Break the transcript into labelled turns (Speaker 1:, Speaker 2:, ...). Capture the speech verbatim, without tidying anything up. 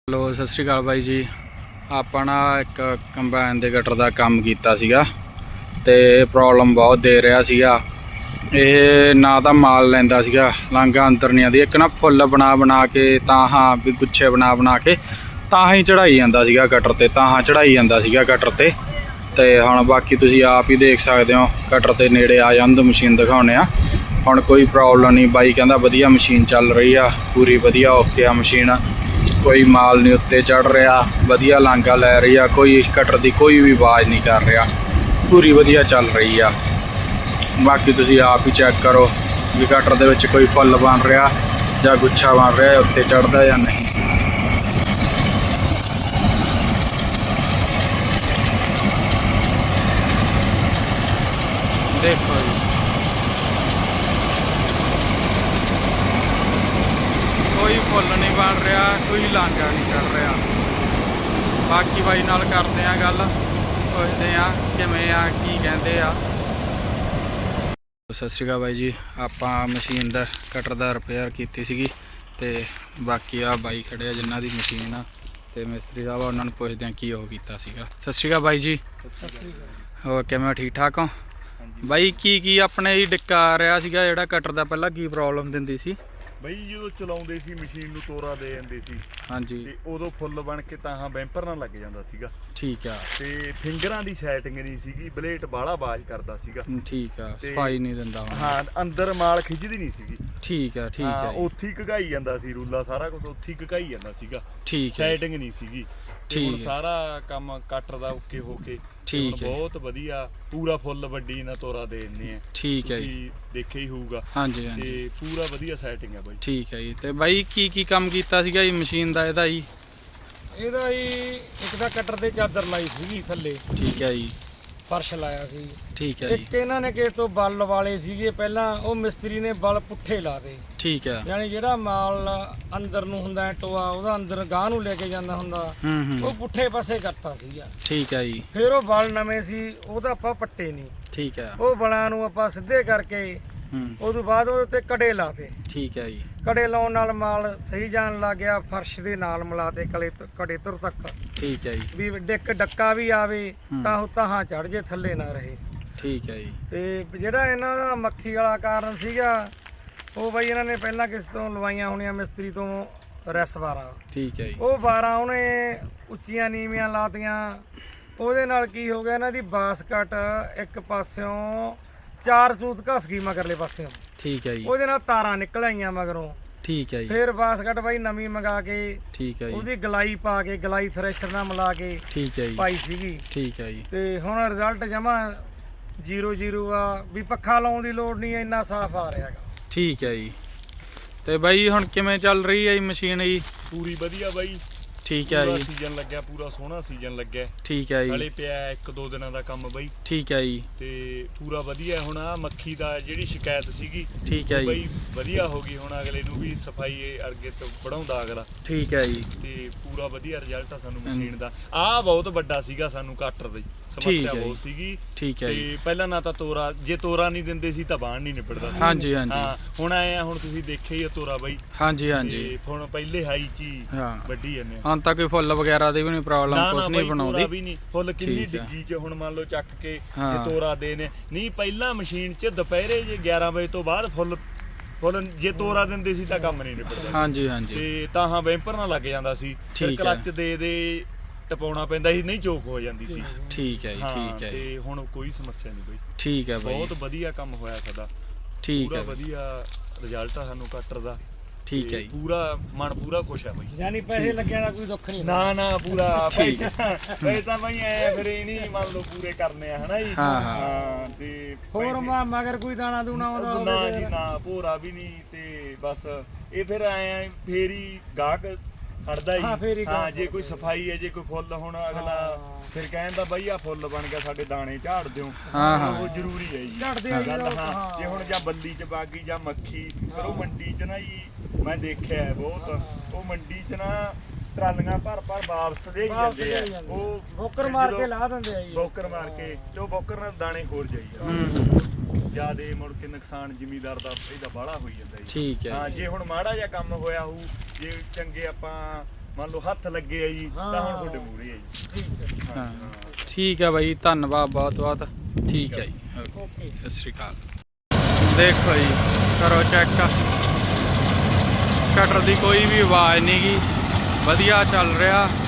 Speaker 1: Hello सत श्री अकाल by जी। ਆਪਾਂ ਨਾ ਇੱਕ ਕੰਬਾਈਨ ਦੇ ਗਟਰ ਦਾ ਕੰਮ ਕੀਤਾ ਸੀਗਾ ਤੇ ਪ੍ਰੋਬਲਮ ਬਹੁਤ ਦੇ ਰਿਹਾ ਸੀਗਾ। ਇਹ ਨਾ ਤਾਂ ਮਾਲ ਲੈਂਦਾ ਸੀਗਾ, ਲਾਂਘਾ ਅੰਦਰ ਨਹੀਂ ਆਉਂਦੀ। ਇੱਕ ਨਾ ਫੁੱਲ ਬਣਾ ਬਣਾ ਕੇ ਤਾਂ ਹਾਂ ਵੀ ਗੁੱਛੇ ਬਣਾ ਬਣਾ ਕੇ ਤਾਂ ਹੀ ਚੜਾਈ ਜਾਂਦਾ ਸੀਗਾ ਗਟਰ ਤੇ, ਤਾਂ ਹਾਂ ਚੜਾਈ ਜਾਂਦਾ ਸੀਗਾ ਗਟਰ ਤੇ। ਤੇ ਹੁਣ ਬਾਕੀ ਤੁਸੀਂ ਆਪ ਹੀ ਦੇਖ ਸਕਦੇ ਹੋ, ਗਟਰ ਤੇ ਨੇੜੇ ਆ ਜਾਂਦੇ ਮਸ਼ੀਨ ਦਿਖਾਉਣੇ ਆ। ਹੁਣ ਕੋਈ ਪ੍ਰੋਬਲਮ ਨਹੀਂ, ਬਾਈ ਕਹਿੰਦਾ ਵਧੀਆ ਮਸ਼ੀਨ ਚੱਲ ਰਹੀ ਆ, ਪੂਰੀ ਵਧੀਆ ਓਕੇ ਆ मशीन। कोई माल नहीं उत्ते चढ़ रहा, वधिया लांघा लै रही है, कोई कटर की कोई भी आवाज़ नहीं कर रहा, पूरी वधिया चल रही है। बाकी तुसी आप ही चेक करो भी कटर दे विच कोई फुल बन रहा या गुच्छा बन रहा, उत्ते चढ़ता या नहीं। देखो जी कोई फुल नहीं बन रहा, कोई लांघा नहीं चढ़ रहा। बाकी बाई नाल करते हैं गल, पुछते हैं किवें आ की कहते आ। सत श्री अकाल बाई जी। आपां मशीन दा कटर दा रिपेयर कीती सीगी ते बाकी आ बाई खड़े आ जिन्हां दी मशीन आ ते मिस्त्री साहब उन्हां नूं पुछदे आ की ओह कीता सीगा। सत श्री अकाल बाई जी। होर किवें ठीक ठाक हो बाई? की की अपने ही डिक्का आ रहा सीगा जिहड़ा कटर दा पहलां की प्रॉब्लम दिंदी सी?
Speaker 2: ਬਈ ਜਦੋਂ ਚਲਾਉਂਦੇ ਸੀ ਮਸ਼ੀਨ ਨੂੰ ਤੋਰਾ ਦੇ ਜਾਂਦੇ ਸੀ
Speaker 1: ਹਾਂਜੀ,
Speaker 2: ਤੇ ਉਦੋਂ ਫੁੱਲ ਬਣ ਕੇ ਤਾਂ ਬੈਂਪਰ ਨਾਲ ਲੱਗ ਜਾਂਦਾ ਸੀਗਾ।
Speaker 1: ਠੀਕ ਆ।
Speaker 2: ਤੇ ਫਿੰਗਰਾਂ ਦੀ ਸੈਟਿੰਗ ਨਹੀਂ ਸੀਗੀ, ਬਲੇਟ ਬਾਹਲਾ ਆਵਾਜ਼ ਕਰਦਾ ਸੀਗਾ।
Speaker 1: ਠੀਕ ਆ, ਸਫਾਈ ਨਹੀਂ ਦਿੰਦਾ ਹੁਣ।
Speaker 2: ਹਾਂ, ਅੰਦਰ ਮਾਲ ਖਿੱਚਦੀ ਨਹੀਂ ਸੀਗੀ।
Speaker 1: ਠੀਕ ਆ, ਠੀਕ ਆ।
Speaker 2: ਉੱਥੇ ਹੀ ਘਗਾਈ ਜਾਂਦਾ ਸੀ, ਰੂਲਾ ਸਾਰਾ ਕੁਝ ਉੱਥੇ ਹੀ ਘਗਾਈ ਜਾਂਦਾ ਸੀਗਾ।
Speaker 1: ਠੀਕ ਹੈ,
Speaker 2: ਸੈਟਿੰਗ ਨਹੀਂ ਸੀਗੀ।
Speaker 1: ਠੀਕ
Speaker 2: ਸਾਰਾ ਕੰਮ ਕਟਰ ਦਾ ਓਕੇ ਹੋ ਕੇ
Speaker 1: ਠੀਕ ਹੈ,
Speaker 2: ਬਹੁਤ ਵਧੀਆ ਪੂਰਾ ਫੁੱਲ ਵੱਡੀ ਨਾਲ ਤੋਰਾ ਦੇ ਦਿੰਦੇ ਆ।
Speaker 1: ਠੀਕ ਹੈ ਜੀ,
Speaker 2: ਦੇਖਿਆ ਹੀ ਹੋਊਗਾ।
Speaker 1: ਹਾਂਜੀ ਹਾਂਜੀ,
Speaker 2: ਤੇ ਪੂਰਾ ਵਧੀਆ ਸੈਟਿੰਗ ਹੈ ਬਾਈ।
Speaker 1: ਠੀਕ ਹੈ ਜੀ। ਤੇ ਬਾਈ ਕੀ ਕੀ ਕੰਮ ਕੀਤਾ ਸੀਗਾ ਜੀ ਮਸ਼ੀਨ ਦਾ ਇਹਦਾ ਜੀ?
Speaker 3: ਇਹਦਾ ਜੀ ਇੱਕ ਤਾਂ ਕਟਰ ਤੇ ਚਾਦਰ ਲਾਈ ਸੀਗੀ ਥੱਲੇ,
Speaker 1: ਠੀਕ ਹੈ ਜੀ,
Speaker 3: ਫਰਸ਼ ਲਾਇਆ ਸੀ।
Speaker 1: ਠੀਕ ਹੈ ਜੀ,
Speaker 3: ਇੱਕ ਇਹਨਾਂ ਨੇ ਕਿਸੇ ਤੋਂ ਬਲ ਵਾਲੇ ਸੀਗੇ ਪਹਿਲਾਂ, ਉਹ ਮਿਸਤਰੀ ਨੇ ਬਲ ਪੁੱਠੇ ਲਾ ਦੇ।
Speaker 1: ਠੀਕ ਹੈ,
Speaker 3: ਯਾਨੀ ਜਿਹੜਾ ਮਾਲ ਅੰਦਰ ਨੂੰ ਹੁੰਦਾ ਟੋਆ, ਉਹਦਾ ਅੰਦਰ ਗਾਹ ਨੂੰ ਲੈ ਕੇ ਜਾਂਦਾ ਹੁੰਦਾ,
Speaker 1: ਹੂੰ
Speaker 3: ਉਹ
Speaker 1: ਹੂੰ,
Speaker 3: ਪੁੱਠੇ ਪਾਸੇ ਕਰਤਾ ਸੀਗਾ।
Speaker 1: ਠੀਕ ਹੈ ਜੀ,
Speaker 3: ਫਿਰ ਉਹ ਬਲ ਨਵੇਂ ਸੀ, ਉਹਦਾ ਆਪਾਂ ਪੱਟੇ ਨਹੀਂ,
Speaker 1: ਠੀਕ ਹੈ,
Speaker 3: ਉਹ ਬਲਾਂ ਨੂੰ ਆਪਾਂ ਸਿੱਧੇ ਕਰਕੇ
Speaker 1: ਹੂੰ,
Speaker 3: ਉਸ ਤੋਂ ਬਾਅਦ ਉਹਦੇ ਤੇ ਕੜੇ ਲਾਤੇ।
Speaker 1: ਠੀਕ ਹੈ ਜੀ,
Speaker 3: ਕੜੇ ਲਾਉਣ ਨਾਲ ਮਾਲ ਸਹੀ ਜਾਣ ਲੱਗ ਗਿਆ, ਫਰਸ਼ ਦੇ ਨਾਲ ਮਿਲਾਤੇ ਕਲੇ ਕੜੇ ਤੁਰ ਤੱਕ,
Speaker 1: ਠੀਕ ਹੈ ਜੀ,
Speaker 3: ਵੀ ਡਿੱਕ ਡੱਕਾ ਵੀ ਆਵੇ ਤਾਂ ਉਹ ਤਾਹਾਂ ਚੜ ਜੇ, ਥੱਲੇ ਨਾ ਰਹੇ।
Speaker 1: ਠੀਕ ਹੈ ਜੀ।
Speaker 3: ਤੇ ਜਿਹੜਾ ਇਹਨਾਂ ਦਾ ਮੱਖੀ ਵਾਲਾ ਕਾਰਨ ਸੀਗਾ, ਉਹ ਬਾਈ ਇਹਨਾਂ ਨੇ ਪਹਿਲਾਂ ਕਿਸ ਤੋਂ ਲਵਾਈਆਂ ਹੋਣੀਆਂ ਮਿਸਤਰੀ ਤੋਂ ਰੈਸ ਬਾਰਾਂ,
Speaker 1: ਠੀਕ ਹੈ ਜੀ,
Speaker 3: ਉਹ ਬਾਰਾਂ ਉਹਨੇ ਉੱਚੀਆਂ ਨੀਵੀਆਂ ਲਾਤੀਆਂ। ਉਹਦੇ ਨਾਲ ਕੀ ਹੋ ਗਿਆ, ਇਹਨਾਂ ਦੀ ਬਾਸਕਟ ਇੱਕ ਪਾਸਿਓਂ ਚਾਰ ਚੂਤ ਘਸ ਗਈ ਮਗਰਲੇ ਪਾਸਿਓਂ,
Speaker 1: ਠੀਕ ਹੈ ਜੀ,
Speaker 3: ਉਹਦੇ ਨਾਲ ਤਾਰਾਂ ਨਿਕਲ ਆਈਆਂ ਮਗਰੋਂ।
Speaker 1: ਠੀਕ ਹੈ ਜੀ,
Speaker 3: ਫਿਰ ਬਾਸਕਟ ਬਾਈ ਨਵੀਂ ਮੰਗਾ ਕੇ
Speaker 1: ਠੀਕ ਹੈ ਜੀ,
Speaker 3: ਉਹਦੀ ਗਲਾਈ ਪਾ ਕੇ, ਗਲਾਈ ਥ੍ਰੈਸ਼ਰ ਨਾਲ ਮਿਲਾ ਕੇ
Speaker 1: ਠੀਕ ਹੈ ਜੀ,
Speaker 3: ਪਾਈ ਸੀਗੀ।
Speaker 1: ਠੀਕ ਹੈ ਜੀ,
Speaker 3: ਤੇ ਹੁਣ ਰਿਜ਼ਲਟ ਜਮਾ ਜ਼ੀਰੋ ਜ਼ੀਰੋ ਆ, ਵੀ ਪੱਖਾ ਲਾਉਣ ਦੀ ਲੋੜ ਨਹੀਂ, ਇੰਨਾ ਸਾਫ਼ ਆ ਰਿਹਾ ਹੈਗਾ।
Speaker 1: ਠੀਕ ਹੈ ਜੀ। ਤੇ ਬਾਈ ਹੁਣ ਕਿਵੇਂ ਚੱਲ ਰਹੀ ਹੈ ਜੀ ਮਸ਼ੀਨ ਜੀ?
Speaker 2: ਪੂਰੀ ਵਧੀਆ ਬਾਈ।
Speaker 1: ਠੀਕ ਹੈ ਜੀ,
Speaker 2: ਸੀਜ਼ਨ ਲੱਗਿਆ, ਪੂਰਾ ਸੋਹਣਾ ਸੀਜ਼ਨ ਲੱਗਿਆ।
Speaker 1: ਠੀਕ ਹੈ
Speaker 2: ਹਲੇ
Speaker 1: ਜੀ,
Speaker 2: ਪਿਆ ਇੱਕ ਦੋ ਦਿਨਾਂ ਦਾ ਕੰਮ ਬਾਈ।
Speaker 1: ਠੀਕ ਹੈ ਜੀ,
Speaker 2: ਤੇ ਪੂਰਾ ਵਧੀਆ। ਹੁਣ ਆ ਮੱਖੀ ਦਾ ਜਿਹੜੀ ਸ਼ਿਕਾਇਤ ਸੀਗੀ,
Speaker 1: ਠੀਕ ਹੈ ਜੀ,
Speaker 2: ਬਾਈ ਵਧੀਆ ਹੋ ਗਈ। ਹੁਣ ਅਗਲੇ ਨੂੰ ਵੀ ਸਫਾਈ ਅੱਗੇ ਤੋਂ ਵਧਾਉਂਦਾ ਅਗਲਾ।
Speaker 1: ਠੀਕ ਹੈ ਜੀ,
Speaker 2: ਤੇ ਪੂਰਾ ਵਧੀਆ ਰਿਜ਼ਲਟ ਆ ਸਾਨੂੰ ਮਸ਼ੀਨ ਦਾ। ਆਹ ਬਹੁਤ ਵੱਡਾ ਸੀਗਾ ਸਾਨੂੰ ਕਟਰ ਦੀ ਸਮੱਸਿਆ ਬਹੁਤ ਸੀਗੀ।
Speaker 1: ਠੀਕ ਹੈ ਜੀ।
Speaker 2: ਤੇ ਪਹਿਲਾਂ ਨਾ ਤਾਂ ਤੋਰਾ, ਜੇ ਤੋਰਾ ਨਹੀਂ ਦਿੰਦੇ ਸੀ ਤਾਂ ਬਾਣ ਨਹੀਂ ਨਿਬੜਦਾ ਸੀ।
Speaker 1: ਹਾਂਜੀ ਹਾਂਜੀ,
Speaker 2: ਹਾਂ, ਹੁਣ ਆਏ ਆ, ਹੁਣ ਤੁਸੀਂ ਦੇਖਿਆ ਹੀ ਆ ਤੋਰਾ ਬਾਈ।
Speaker 1: ਹਾਂਜੀ ਹਾਂਜੀ,
Speaker 2: ਤੇ ਹੁਣ ਪਹਿਲੇ ਹਾਈ ਚ ਹੀ
Speaker 1: ਹਾਂ,
Speaker 2: ਵੱਡੀ ਜਾਂਦੇ ਆ।
Speaker 1: ਹੁਣ ਤਾਂ ਕੋਈ ਫੁੱਲ ਵਗੈਰਾ ਦੀ ਵੀ ਨਹੀਂ ਪ੍ਰੋਬਲਮ, ਕੁਝ ਨਹੀਂ ਬਣਾਉਂਦੀ
Speaker 2: ਵੀ ਨਹੀਂ। ਫੁੱਲ ਕਿੰਨੀ
Speaker 1: ਠੀਕ ਆ।
Speaker 2: ਡਿੱਗੀ ਚ ਹੁਣ ਮੰਨ ਲਓ ਚੱਕ ਕੇ
Speaker 1: ਹਾਂ।
Speaker 2: ਜੇ ਤੋਰਾ ਦੇ ਨੇ ਨਹੀਂ, ਪਹਿਲਾਂ ਮਸ਼ੀਨ ਚ ਦੁਪਹਿਰੇ ਜੇ ਗਿਆਰਾਂ ਵਜੇ ਤੋਂ ਬਾਅਦ ਫੁੱਲ ਫੁੱਲ ਜੇ ਤੋਰਾ ਦਿੰਦੇ ਸੀ ਤਾਂ ਕੰਮ ਨਹੀਂ ਨਿਬੜਦਾ।
Speaker 1: ਹਾਂਜੀ ਹਾਂਜੀ,
Speaker 2: ਤੇ ਤਾਂ ਹਾਂ ਬੈਂਪਰ ਨਾਲ ਲੱਗ ਜਾਂਦਾ ਸੀ। ਫਿਰ
Speaker 1: ਠੀਕ ਆ।
Speaker 2: ਕਲੱਚ ਦੇ ਦੇ ਟਪਾਉਣਾ ਪੈਂਦਾ ਸੀ, ਨਹੀਂ ਚੋਕ ਹੋ ਜਾਂਦੀ ਸੀ।
Speaker 1: ਠੀਕ ਹੈ ਜੀ, ਠੀਕ ਹੈ ਜੀ,
Speaker 2: ਤੇ ਹੁਣ ਕੋਈ ਸਮੱਸਿਆ ਨਹੀਂ ਬਈ।
Speaker 1: ਠੀਕ ਹੈ ਬਾਈ,
Speaker 2: ਬਹੁਤ ਵਧੀਆ ਕੰਮ ਹੋਇਆ ਸਾਡਾ।
Speaker 1: ਠੀਕ
Speaker 2: ਪੂਰਾ
Speaker 1: ਹੈ,
Speaker 2: ਵਧੀਆ ਰਿਜ਼ਲਟ ਆ ਸਾਨੂੰ ਕਟਰ ਦਾ।
Speaker 1: ਠੀਕ ਹੈ
Speaker 2: ਤੇ
Speaker 1: ਜੀ,
Speaker 2: ਪੂਰਾ ਮਨ ਪੂਰਾ ਖੁਸ਼ ਆ ਬਈ।
Speaker 3: ਯਾਨੀ ਪੈਸੇ ਲੱਗਿਆ ਦਾ ਕੋਈ ਦੁੱਖ ਨਹੀਂ।
Speaker 2: ਨਾ ਨਾ, ਪੂਰਾ
Speaker 1: ਠੀਕ
Speaker 2: ਪੈਸੇ ਤਾਂ ਬਈ ਐ ਫਿਰ ਇਹ ਨਹੀਂ ਮੰਨ ਲਓ ਪੂਰੇ ਕਰਨੇ ਆ, ਹਨਾ ਜੀ।
Speaker 1: ਹਾਂ, ਹਾਂ।
Speaker 2: ਹਾਂ, ਤੇ
Speaker 3: ਹੋਰ ਮਾ ਮਗਰ ਕੋਈ ਦਾਣਾ ਦੂਣਾ ਆਉਂਦਾ
Speaker 2: ਨਾ
Speaker 3: ਹੋਵੇ
Speaker 2: ਜੀ ਨਾ, ਭੋਰਾ ਵੀ ਨਹੀਂ। ਤੇ ਬਸ ਇਹ ਫਿਰ ਆਏ ਆ, ਫੇਰ ਹੀ ਗਾਹਕ ਹਟਦਾ
Speaker 3: ਹਾਂ, ਫੇਰ
Speaker 2: ਹੀ।
Speaker 3: ਹੀ
Speaker 2: ਹਾਂ,
Speaker 3: ਗਾਹਕ
Speaker 2: ਜੇ ਕੋਈ ਸਫਾਈ ਹੈ, ਜੇ ਕੋਈ ਫੁੱਲ, ਹੁਣ ਅਗਲਾ
Speaker 3: ਹਾਂ।
Speaker 2: ਫਿਰ ਕਹਿੰਦਾ ਬਈ ਆ ਫੁੱਲ ਬਣ ਗਿਆ, ਸਾਡੇ ਦਾਣੇ ਝਾੜ ਦਿਓ।
Speaker 1: ਹਾਂ, ਹਾਂ।
Speaker 2: ਉਹ ਜ਼ਰੂਰੀ ਹੈ ਜੀ।
Speaker 3: ਝਾੜਦੇ ਆ ਜੀ
Speaker 2: ਗੱਲ,
Speaker 3: ਲੋਕ,
Speaker 2: ਹਾਂ।
Speaker 3: ਹਾਂ।
Speaker 2: ਜੇ ਹੁਣ ਜਾਂ ਬੱਲੀ ਚ ਬਾਗੀ ਜਾਂ ਮੱਖੀ, ਪਰ ਉਹ ਮੰਡੀ ਚ ਨਾ ਜੀ ਮੈਂ ਦੇਖਿਆ ਹੈ ਬਹੁਤ, ਉਹ ਮੰਡੀ ਚ ਨਾ ਟਰਾਲੀਆਂ ਭਰ ਭਰ ਵਾਪਸ ਦੇ
Speaker 3: ਵਾਪਸ
Speaker 2: ਜਾਂਦੇ
Speaker 3: ਲਿਆਈ
Speaker 2: ਆ।
Speaker 3: ਜਾਂਦੇ।
Speaker 2: ਉਹ
Speaker 3: ਬੋਕਰ ਮਾਰ
Speaker 2: ਜਦੋਂ
Speaker 3: ਕੇ ਲਾ ਦਿੰਦੇ ਆ ਜੀ।
Speaker 2: ਬੋਕਰ ਮਾਰ ਕੇ, ਤੇ ਉਹ ਬੋਕਰ ਨਾਲ ਦਾਣੇ ਹੋਰ ਜਾਈ ਜਾਂਦੇ।
Speaker 1: ਹੂੰ,
Speaker 2: ਜਿਆਦੇ ਮੁੜ ਕੇ ਨੁਕਸਾਨ ਜ਼ਿਮੀਦਾਰ ਦਾ ਇਹਦਾ ਬਾਹਲਾ ਹੋਈ ਜਾਂਦਾ ਜੀ।
Speaker 1: ਠੀਕ ਹੈ
Speaker 2: ਹਾਂ,
Speaker 1: ਜੀ,
Speaker 2: ਜੇ ਹੁਣ ਮਾੜਾ ਜਿਹਾ ਕੰਮ ਹੋਇਆ ਹੋਊ, ਜੇ ਚੰਗੇ ਆਪਾਂ ਮੰਨ ਲਓ ਹੱਥ ਲੱਗੇ ਆ ਜੀ ਤਾਂ ਹੁਣ ਤੁਹਾਡੇ ਮੂਹਰੇ ਆ ਜੀ।
Speaker 3: ਠੀਕ ਹੈ
Speaker 1: ਹਾਂ ਠੀਕ ਹੈ ਬਾਈ, ਧੰਨਵਾਦ ਬਹੁਤ ਬਹੁਤ। ਠੀਕ ਹੈ ਜੀ,
Speaker 3: ਓਕੇ।
Speaker 1: ਸਤਿ ਸ਼੍ਰੀ ਅਕਾਲ। ਦੇਖੋ ਜੀ, ਕਰੋ ਚੈੱਕ, ਕਟਰ ਦੀ ਕੋਈ ਵੀ ਆਵਾਜ਼ ਨਹੀਂ ਗੀ, ਵਧੀਆ ਚੱਲ ਰਿਹਾ।